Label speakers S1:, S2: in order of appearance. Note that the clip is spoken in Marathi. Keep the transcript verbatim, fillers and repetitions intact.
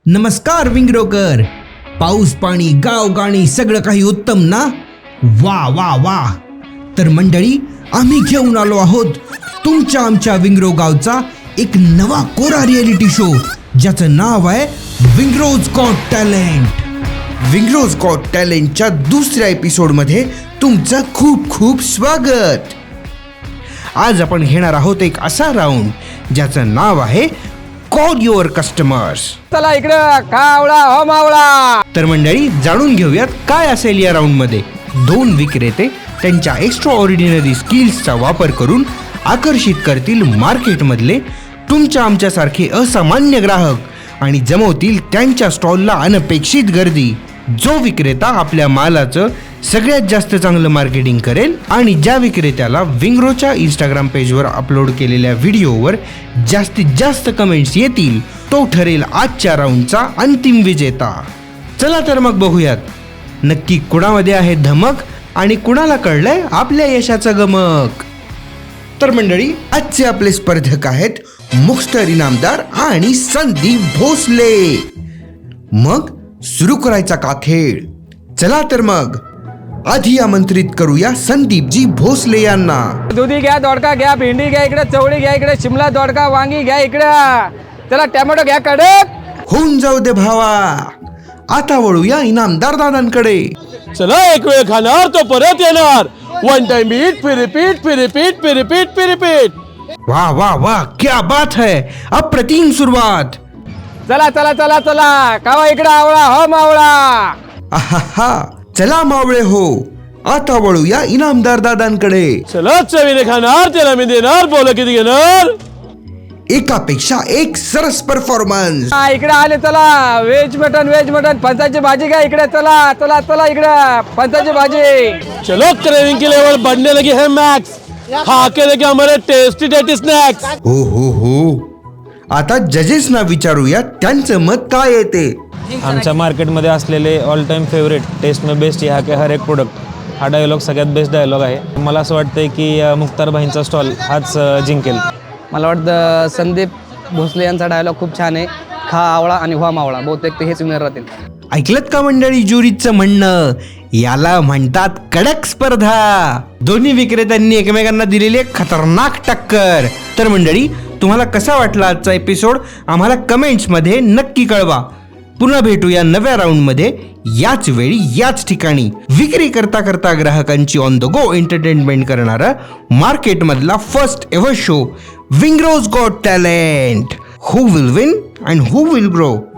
S1: नमस्कार विंगरोकर. पाऊस पाणी गाव गाणी सगळं काही उत्तम ना? वा वा वा. तर मंडळी, आम्ही घेऊन आलो आहोत तुमच्या आमच्या विंगरो गावचा एक नवा कोरा रियालिटी शो, ज्याचं नाव आहे विंगरोज गॉट टॅलेंट. विंगरोज गॉट टॅलेंटच्या दुसऱ्या एपिसोडमध्ये तुमचं खूप खूप स्वागत. आज आपण घेणार आहोत एक असा राऊंड ज्याचं नाव आहे कॉल युअर कस्टमर्स.
S2: चला इकडं कावळा हो मावळा.
S1: तर मंडळी, जाणून घेऊयात काय असेल या राऊंड मध्ये. दोन विक्रेते त्यांच्या एक्स्ट्रा ऑर्डिनरी स्किल्सचा वापर करून आकर्षित करतील मार्केटमधले तुमच्या आमच्यासारखे असामान्य ग्राहक आणि जमवतील त्यांच्या स्टॉलला अनपेक्षित गर्दी. जो विक्रेता आपल्या मालाचं सगळ्यात जास्त चांगलं मार्केटिंग करेल आणि ज्या विक्रेत्याला विंगरोच्या इंस्टाग्राम पेजवर अपलोड केलेल्या व्हिडिओवर जास्तीत जास्त कमेंट्स येतील, तो ठरेल आजच्या राऊंडचा अंतिम विजेता. चला तर मग बघूयात नक्की कुणामध्ये आहे धमक आणि कुणाला कळलंय आपल्या यशाचं गमक. तर मंडळी, आजचे आपले स्पर्धक आहेत मुक्स्टर इनामदार आणि संदीप भोसले. मग सुरू करायचा का खेळ? चला तर मग आधी आमंत्रित करूया संदीपजी भोसले यांना.
S2: दुधी घ्या, दोडका घ्या, भेंडी घ्या इकडे, चवळी घ्या इकडे, शिमला दोडका, वांगी घ्या इकडं. चला टोमॅटो घ्या कडक.
S1: होऊन जाऊ दे भावा. आता वळूया इनामदार दादांकडे.
S3: चला एक वेळ खाणार तो परत येणार. वन टाइम ईट फिर रिपीट फिर रिपीट फिर रिपीट फिर रिपीट.
S1: वा वा वा, क्या बात है. अप्रतिम सुरुवात.
S2: चला चला चला चला कावा इकडे आवळा हो मावळा.
S1: आहा, चला मावळे हो. आता वळूया इनामदार दादांकडे.
S3: चला चवीने खाणार त्याला मी देणार. बोल किती घेणार?
S1: एकापेक्षा एक सरस परफॉर्मन्स.
S2: हा, इकडे आले. चला व्हेज मटन व्हेज मटन फणसाची भाजी घ्या इकडे. चला चला चला इकडे फणसाची भाजी.
S3: चलो क्रेविंग की लेवल बढ़ने लगी है मैक्स. खा के देखे हमारे टेस्टी टेस्टी स्नॅक्स.
S1: हो हो हो. आता जजेसना विचारूया त्यांचं मत काय येते.
S4: आमच्या मार्केटमध्ये असलेले ऑल टाइम फेवरेट टेस्ट में बेस्ट ह्या के हर एक प्रोडक्ट हा डायलॉग सगळ्यात बेस्ट डायलॉग आहे. मला असं वाटतंय की अ, मुख्तार भाईंचा स्टॉल हाच अ, जिंकेल.
S2: मला वाटतं संदीप भोसले यांचा डायलॉग खूप छान आहे. खा आवळा आणि व्हा मावळा. बहुतेक ते हेच विनर राहतील.
S1: ऐकलत का मंडळी ज्युरीचं म्हणणं? याला म्हणतात कडक स्पर्धा. दोन्ही विक्रेत्यांनी एकमेकांना दिलेली एक खतरनाक टक्कर. तर मंडळी, तुम्हाला कसा वाटला आजचा एपिसोड आम्हाला कमेंट्समध्ये नक्की कळवा. पुन्हा भेटूया नव्या राऊंडमध्ये, याच वेळी याच ठिकाणी. विक्री करता करता ग्राहकांची ऑन द गो एंटरटेनमेंट करणारा मार्केटमधला फर्स्ट एव्हर शो विंगरोज got talent. Who will win and who will grow.